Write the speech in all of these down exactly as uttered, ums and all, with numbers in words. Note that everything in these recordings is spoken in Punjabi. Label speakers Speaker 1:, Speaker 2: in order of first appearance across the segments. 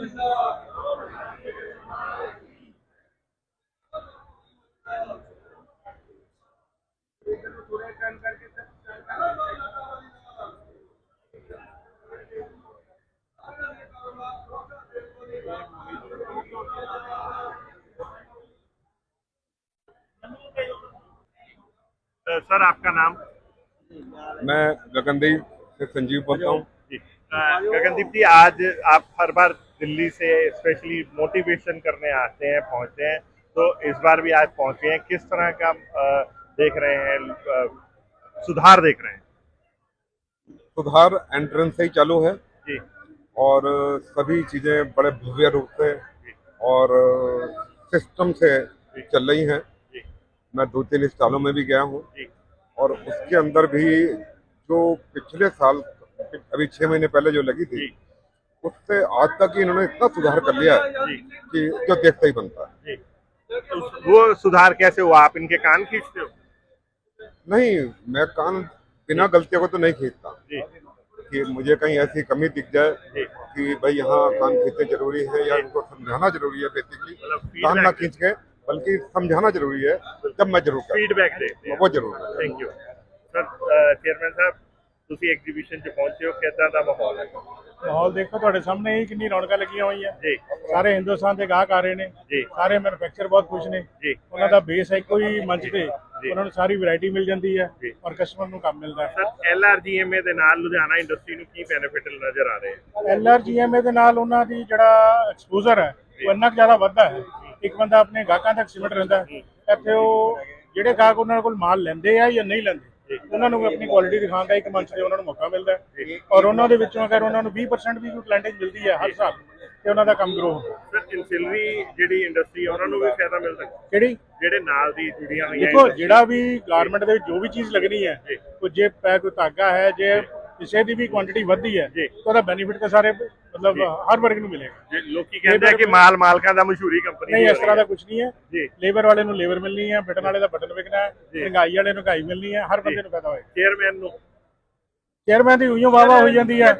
Speaker 1: सर आपका नाम?
Speaker 2: मैं गगनदीप से संजीव बोलता हूँ।
Speaker 1: गगनदीप जी, आज आप हर बार दिल्ली से स्पेशली मोटिवेशन करने आते हैं, पहुंचते हैं, तो इस बार भी आज पहुंचे हैं। किस तरह का आ, देख रहे हैं, आ, सुधार देख रहे हैं?
Speaker 2: सुधार एंट्रेंस से ही चालू है
Speaker 1: जी,
Speaker 2: और सभी चीजें बड़े भव्य रूप से और सिस्टम से चल रही हैं। मैं दो तीन स्टॉलों में भी गया हूँ और उसके अंदर भी जो पिछले साल अभी छह महीने पहले जो लगी थी उससे आज तक ही इन्होंने इतना सुधार कर लिया है कि जो देखता ही बनता है।
Speaker 1: तो वो सुधार कैसे हुआ? आप इनके कान खींचते हो?
Speaker 2: नहीं, मैं कान बिना गलतियों को तो नहीं खींचता कि मुझे कहीं ऐसी कमी दिख जाए कि भाई यहाँ कान खींचना जरूरी है या उनको समझाना जरूरी है। बेसिकली कान ना खींच के बल्कि समझाना जरूरी है। जब मैं जरूर
Speaker 1: फीडबैक देते हैं,
Speaker 2: वो जरूर।
Speaker 1: Thank you sir. चेयरमैन साहब, ਤੁਸੀਂ ਐਗਜ਼ੀਬਿਸ਼ਨ 'ਚ ਪਹੁੰਚੇ ਹੋ, ਕਿੱਦਾਂ ਦਾ ਮਾਹੌਲ ਹੈ?
Speaker 3: ਮਾਹੌਲ ਦੇਖੋ ਤੁਹਾਡੇ ਸਾਹਮਣੇ ਹੀ ਕਿੰਨੀ ਰੌਣਕਾਂ ਲੱਗੀਆਂ ਹੋਈਆਂ
Speaker 1: ਜੀ।
Speaker 3: ਸਾਰੇ ਹਿੰਦੁਸਤਾਨ ਦੇ ਗਾਹਕ ਆ ਰਹੇ ਨੇ
Speaker 1: ਜੀ।
Speaker 3: ਸਾਰੇ ਮੈਨੂਫੈਕਚਰ ਬਹੁਤ ਖੁਸ਼ ਨੇ
Speaker 1: ਜੀ।
Speaker 3: ਉਹਨਾਂ ਦਾ ਬੇਸ ਹੈ ਇੱਕੋ ਹੀ ਮੰਚ ਤੇ ਉਹਨਾਂ ਨੂੰ ਸਾਰੀ ਵੈਰਾਈਟੀ ਮਿਲ ਜਾਂਦੀ ਹੈ ਔਰ ਕਸਟਮਰ ਨੂੰ ਕੰਮ ਮਿਲਦਾ ਹੈ।
Speaker 1: Sir, L R G M A ਦੇ ਨਾਲ ਲੁਧਿਆਣਾ ਇੰਡਸਟਰੀ ਨੂੰ ਕੀ ਬੈਨੀਫਿਟ ਨਜ਼ਰ ਆ ਰਹੇ ਹੈ?
Speaker 3: L R G M A ਦੇ ਨਾਲ ਉਹਨਾਂ ਦੀ ਜਿਹੜਾ ਐਕਸਪੋਜ਼ਰ ਹੈ ਉਹ ਇੰਨਾ ਕੁ ਜ਼ਿਆਦਾ ਵੱਧਦਾ ਹੈ। ਇੱਕ ਬੰਦਾ ਆਪਣੇ ਗਾਹਕਾਂ ਤੱਕ ਸਿਮਟ ਰਹਿੰਦਾ ਹੈ। ਇੱਥੇ ਉਹ ਜਿਹੜੇ ਗਾਹਕ ਉਹਨਾਂ ਕੋਲ ਮਾਲ ਲੈਂਦੇ ਆ ਜਾਂ ਨਹੀਂ ਲੈਂਦੇ, ਉਹਨਾਂ ਨੂੰ ਆਪਣੀ ਕੁਆਲਿਟੀ ਦਿਖਾਉਣ ਦਾ ਇੱਕ ਮੰਚ ਤੇ ਉਹਨਾਂ ਨੂੰ ਮੌਕਾ ਮਿਲਦਾ ਹੈ ਔਰ ਉਹਨਾਂ ਦੇ ਵਿੱਚੋਂ ਅਗਰ ਉਹਨਾਂ ਨੂੰ ਵੀਹ ਪਰਸੈਂਟ ਵੀ ਕੋਈ ਪਲੈਂਟੇਜ ਮਿਲਦੀ ਹੈ ਹਰ ਸਾਲ ਤੇ ਉਹਨਾਂ ਦਾ ਕੰਮ ਗਰੋ ਹੁੰਦਾ।
Speaker 1: ਸਰ, ਇਨਸਿਲਰੀ ਜਿਹੜੀ ਇੰਡਸਟਰੀ ਉਹਨਾਂ ਨੂੰ ਵੀ ਫਾਇਦਾ ਮਿਲਦਾ?
Speaker 3: ਕਿਹੜੀ?
Speaker 1: ਜਿਹੜੇ ਨਾਲ ਦੀ ਜੁੜੀਆਂ ਹੋਈਆਂ
Speaker 3: ਦੇਖੋ, ਜਿਹੜਾ ਵੀ ਗਾਰਮੈਂਟ ਦੇ ਵਿੱਚ ਜੋ ਵੀ ਚੀਜ਼ ਲੱਗਣੀ ਹੈ, ਕੋਈ ਜੇ ਪੈ ਕੋਈ ਧਾਗਾ ਹੈ, ਜੇ ਕਿਸੇ ਦੀ ਵੀ ਕੁਆਂਟੀਟੀ ਵੱਧਦੀ ਹੈ ਤਾਂ ਉਹਦਾ ਬੈਨੀਫਿਟ ਤਾਂ ਸਾਰੇ ਮਤਲਬ ਹਰ ਵਰਗ ਨੂੰ ਮਿਲੇਗਾ।
Speaker 1: ਲੋਕੀ ਕਹਿੰਦੇ ਆ ਕਿ ਮਾਲ ਮਾਲਕਾਂ ਦਾ ਮਸ਼ਹੂਰੀ ਕੰਪਨੀ
Speaker 3: ਨਹੀਂ, ਇਸ ਤਰ੍ਹਾਂ ਦਾ ਕੁਝ ਨਹੀਂ ਹੈ।
Speaker 1: ਜੀ।
Speaker 3: ਲੇਬਰ ਵਾਲੇ ਨੂੰ ਲੇਬਰ ਮਿਲਣੀ ਹੈ, ਬਟਨ ਵਾਲੇ ਦਾ ਬਟਨ ਵਿਕਣਾ ਹੈ, ਮਹਿੰਗਾਈ ਵਾਲੇ ਨੂੰ ਮਹਿੰਗਾਈ ਮਿਲਣੀ ਹੈ, ਹਰ ਬੰਦੇ ਨੂੰ ਫਾਇਦਾ ਹੋਏਗਾ।
Speaker 1: ਚੇਅਰਮੈਨ ਨੂੰ
Speaker 3: ਚੇਅਰਮੈਨ ਦੀ ਉਈਓ ਵਾਵਾ ਹੋਈ ਜਾਂਦੀ ਹੈ।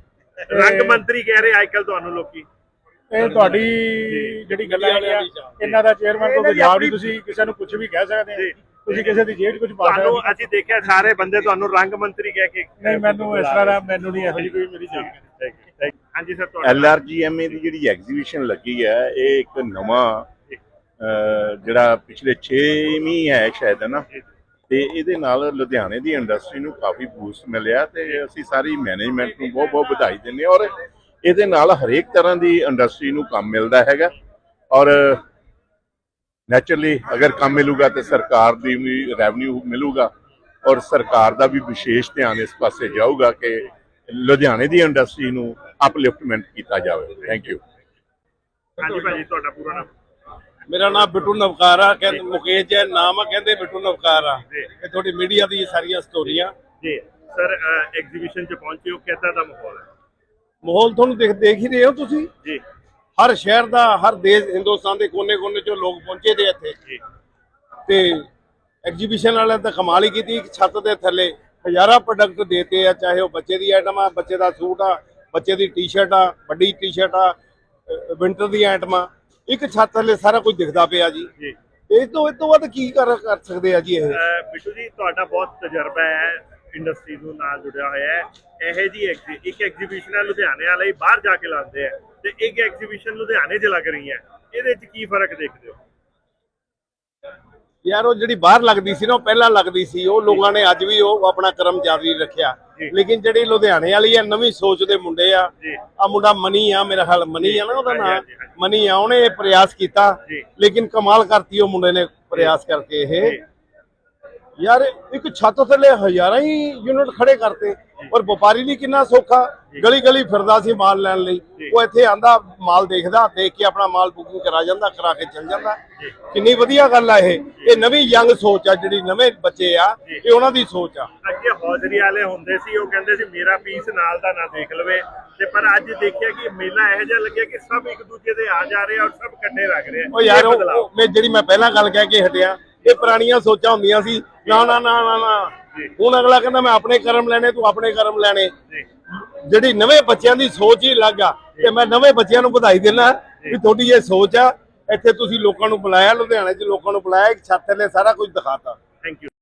Speaker 1: ਰੰਗ ਮੰਤਰੀ ਕਹਿ ਰਹੇ ਅੱਜ ਕੱਲ ਤੁਹਾਨੂੰ ਲੋਕੀ।
Speaker 3: ਇਹ ਤੁਹਾਡੀ ਜਿਹੜੀ ਗੱਲਾਂ ਹੈਗੀਆਂ ਇਹਨਾਂ ਦਾ ਚੇਅਰਮੈਨ ਕੋਲ ਜਵਾਬ ਨਹੀਂ, ਤੁਸੀਂ ਕਿਸੇ ਨੂੰ ਕੁਝ ਵੀ ਕਹਿ ਸਕਦੇ ਹੋ, ਤੁਸੀਂ ਕਿਸੇ ਦੀ ਜੇਬ 'ਚ ਕੁਝ ਪਾ ਸਕਦੇ ਹੋ।
Speaker 1: ਅਸੀਂ ਦੇਖਿਆ ਸਾਰੇ ਬੰਦੇ ਤੁਹਾਨੂੰ ਰੰਗ ਮੰਤਰੀ ਕਹਿ ਕੇ।
Speaker 3: ਨਹੀਂ, ਮੈਨੂੰ ਇਸ ਤਰ੍ਹਾਂ ਦਾ ਮੈਨੂੰ ਨਹੀਂ ਇਹੋ ਜਿਹੀ ਕੋਈ ਮੇਰੀ ਜਾਣਕਾਰੀ।
Speaker 1: ਹਾਂਜੀ sir,
Speaker 4: L R G M A ਦੀ ਜਿਹੜੀ ਐਗਜ਼ੀਬਿਸ਼ਨ ਲੱਗੀ ਹੈ, ਇਹ ਇੱਕ ਨਵਾਂ ਜਿਹੜਾ ਪਿਛਲੇ ਛੇਵੀਂ ਹੈ ਸ਼ਾਇਦ ਹੈ ਨਾ, ਤੇ ਇਹਦੇ ਨਾਲ ਲੁਧਿਆਣੇ ਦੀ ਇੰਡਸਟਰੀ ਨੂੰ ਕਾਫੀ ਬੂਸਟ ਮਿਲਿਆ ਤੇ ਅਸੀਂ ਸਾਰੀ ਮੈਨੇਜਮੈਂਟ ਨੂੰ ਬਹੁਤ ਬਹੁਤ ਵਧਾਈ ਦਿੰਦੇ ਹਾਂ। ਔਰ ਇਹਦੇ ਨਾਲ ਹਰੇਕ ਤਰ੍ਹਾਂ ਦੀ ਇੰਡਸਟਰੀ ਨੂੰ ਕੰਮ ਮਿਲਦਾ ਹੈਗਾ ਔਰ ਨੈਚੁਰਲੀ ਅਗਰ ਕੰਮ ਮਿਲੂਗਾ ਤੇ ਸਰਕਾਰ ਦੀ ਵੀ ਰੈਵਨਿਊ ਮਿਲੂਗਾ ਔਰ ਸਰਕਾਰ ਦਾ ਵੀ ਵਿਸ਼ੇਸ਼ ਧਿਆਨ ਇਸ ਪਾਸੇ ਜਾਊਗਾ ਕਿ ਲੁਧਿਆਣੇ ਦੀ ਇੰਡਸਟਰੀ ਨੂੰ ਅਪਲਿਫਟਮੈਂਟ ਕੀਤਾ ਜਾਵੇ। Thank you.
Speaker 1: ਹਾਂਜੀ ਭਾਜੀ, ਤੁਹਾਡਾ ਪੂਰਾ ਨਾਮ?
Speaker 5: ਮੇਰਾ ਨਾਮ ਬਿੱਟੂ ਨਵਕਾਰ ਆ, ਕਹਿੰਦੇ ਮੁਕੇਸ਼ ਜੈਨ ਨਾਮ ਆ, ਕਹਿੰਦੇ ਬਿੱਟੂ ਨਵਕਾਰ ਆ। ਇਹ ਤੁਹਾਡੀ ਮੀਡੀਆ ਦੀ ਸਾਰੀਆਂ ਸਟੋਰੀਆਂ
Speaker 1: ਜੀ। ਸਰ, ਐਗਜ਼ੀਬਿਸ਼ਨ 'ਚ ਪਹੁੰਚੇ ਹੋ, ਕਿੱਦਾਂ ਦਾ ਮਾਹੌਲ ਹੈ?
Speaker 5: ਮਾਹੌਲ ਤੁਹਾਨੂੰ ਦੇਖ ਦੇਖ ਹੀ ਰਹੇ ਹੋ ਤੁਸੀਂ
Speaker 1: ਜੀ।
Speaker 5: ਹਰ ਸ਼ਹਿਰ ਦਾ, ਹਰ ਦੇਸ਼, ਹਿੰਦੁਸਤਾਨ ਦੇ ਕੋਨੇ-ਕੋਨੇ ਚੋਂ ਲੋਕ ਪਹੁੰਚੇ ਦੇ ਇੱਥੇ ਤੇ ਐਗਜ਼ੀਬਿਸ਼ਨ ਵਾਲਿਆਂ ਤਾਂ ਕਮਾਲ ਹੀ ਕੀਤੀ। ਇੱਕ ਛੱਤ ਦੇ ਥੱਲੇ ਹਜ਼ਾਰਾਂ ਪ੍ਰੋਡਕਟ ਦੇਤੇ ਆ, ਚਾਹੇ ਉਹ ਬੱਚੇ ਦੀ ਆਈਟਮ ਆ, ਬੱਚੇ ਦਾ ਸੂਟ ਆ, ਬੱਚੇ ਦੀ ਟੀ-ਸ਼ਰਟ ਆ, ਵੱਡੀ ਟੀ-ਸ਼ਰਟ ਆ, ਵਿੰਟਰ ਦੀਆਂ ਆਈਟਮਾਂ, ਇੱਕ ਛੱਤ ਥੱਲੇ ਸਾਰਾ ਕੁਝ ਦਿਖਦਾ ਪਿਆ ਜੀ। ਇਹ ਤੋਂ ਇਹ ਤੋਂ ਵੱਧ ਕੀ ਕਰ ਕਰ ਸਕਦੇ ਆ ਜੀ? ਇਹ
Speaker 1: ਬਿੱਟੂ ਜੀ, ਤੁਹਾਡਾ ਬਹੁਤ ਤਜਰਬਾ ਹੈ ਇੰਡਸਟਰੀ ਨੂੰ ਨਾਲ ਜੁੜਿਆ ਹੋਇਆ ਹੈ। ਇਹ ਜੀ ਇੱਕ ਐਗਜ਼ੀਬਿਸ਼ਨ ਹੈ ਲੁਧਿਆਣੇ ਵਾਲੇ ਬਾਹਰ ਜਾ ਕੇ ਲਾਉਂਦੇ ਆ ਤੇ ਇੱਕ ਐਗਜ਼ੀਬਿਸ਼ਨ ਲੁਧਿਆਣੇ 'ਚ ਲੱਗ ਰਹੀ ਹੈ, ਇਹਦੇ 'ਚ ਕੀ ਫਰਕ ਦੇਖਦੇ ਹੋ?
Speaker 5: ਯਾਰ, ਉਹ ਜਿਹੜੀ ਬਾਹਰ ਲੱਗਦੀ ਸੀ ਨਾ, ਉਹ ਪਹਿਲਾਂ ਲੱਗਦੀ ਸੀ, ਉਹ ਲੋਕਾਂ ਨੇ ਅੱਜ ਵੀ ਉਹ ਆਪਣਾ ਕਰਮ ਜਾਰੀ ਰੱਖਿਆ। ਲੇਕਿਨ ਜਿਹੜੀ ਲੁਧਿਆਣੇ ਵਾਲੀ ਆ, ਨਵੀਂ ਸੋਚ ਦੇ ਮੁੰਡੇ ਆ, ਆ ਮੁੰਡਾ ਮਨੀ ਆ, ਮੇਰਾ ਖਿਆਲ ਮਨੀ ਆ ਨਾ ਉਹਦਾ ਨਾਮ, ਮਨੀ ਆ, ਉਹਨੇ ਇਹ ਪ੍ਰਯਾਸ ਕੀਤਾ ਲੇਕਿਨ ਕਮਾਲ ਕਰਤੀ ਉਹ ਮੁੰਡੇ ਨੇ ਪ੍ਰਯਾਸ ਕਰਕੇ। ਇਹ ਯਾਰ ਇੱਕ ਛੱਤ ਥੱਲੇ ਹਜ਼ਾਰਾਂ ਹੀ ਯੂਨਿਟ ਖੜੇ ਕਰਤੇ ਔਰ ਵਪਾਰੀ ਲਈ ਕਿੰਨਾ ਸੌਖਾ, ਗਲੀ ਗਲੀ ਫਿਰਦਾ ਸੀ ਮਾਲ ਲੈਣ ਲਈ, ਉਹ ਇੱਥੇ ਆਂਦਾ, ਮਾਲ ਦੇਖਦਾ, ਦੇਖ ਕੇ ਆਪਣਾ ਮਾਲ ਬੁਕਿੰਗ ਕਰਾ ਜਾਂਦਾ, ਕਰਾ ਕੇ ਚੱਲ ਜਾਂਦਾ। ਕਿੰਨੀ ਵਧੀਆ ਗੱਲ ਆ। ਇਹ ਇਹ ਨਵੀਂ ਯੰਗ ਸੋਚ ਆ, ਜਿਹੜੀ ਨਵੇਂ ਬੱਚੇ ਆ, ਇਹ ਉਹਨਾਂ ਦੀ ਸੋਚ ਆ।
Speaker 1: ਅੱਗੇ ਹੌਜ਼ਰੀ ਵਾਲੇ ਹੁੰਦੇ ਸੀ, ਉਹ ਕਹਿੰਦੇ ਸੀ ਮੇਰਾ ਪੀਸ ਨਾਲ ਦਾ ਨਾ ਦੇਖ ਲਵੇ, ਤੇ ਪਰ ਅੱਜ ਦੇਖਿਆ ਕਿ ਮੇਲਾ ਇਹੋ ਜਿਹਾ ਲੱਗਿਆ ਕਿ ਸਭ ਇੱਕ ਦੂਜੇ ਦੇ ਆ ਜਾ ਰਹੇ ਆ ਔਰ ਸਭ ਇਕੱਠੇ ਲੱਗ ਰਹੇ ਆ।
Speaker 5: ਉਹ ਯਾਰ, ਉਹ ਮੈਂ ਜਿਹੜੀ ਮੈਂ ਪਹਿਲਾਂ ਗੱਲ ਕਹਿ ਕੇ ਹਟਿਆ, ਇਹ ਪੁਰਾਣੀਆਂ ਸੋਚਾਂ ਹੁੰਦੀਆਂ ਸੀ, ਨਾ ਨਾ ਨਾ ਨਾ ਨਾ ਹੁਣ ਅਗਲਾ ਕਹਿੰਦਾ ਮੈਂ ਆਪਣੇ ਕਰਮ ਲੈਣੇ, ਤੂੰ ਆਪਣੇ ਕਰਮ ਲੈਣੇ। ਜਿਹੜੀ ਨਵੇਂ ਬੱਚਿਆਂ ਦੀ ਸੋਚ ਹੀ ਅਲੱਗ ਆ। ਤੇ ਮੈਂ ਨਵੇਂ ਬੱਚਿਆਂ ਨੂੰ ਵਧਾਈ ਦਿੰਦਾ ਵੀ ਤੁਹਾਡੀ ਇਹ ਸੋਚ ਆ। ਇੱਥੇ ਤੁਸੀਂ ਲੋਕਾਂ ਨੂੰ ਬੁਲਾਇਆ, ਲੁਧਿਆਣੇ 'ਚ ਲੋਕਾਂ ਨੂੰ ਬੁਲਾਇਆ, ਇੱਕ ਛੱਤ ਥੱਲੇ ਸਾਰਾ ਕੁਝ ਦਿਖਾਤਾ।
Speaker 1: Thank you.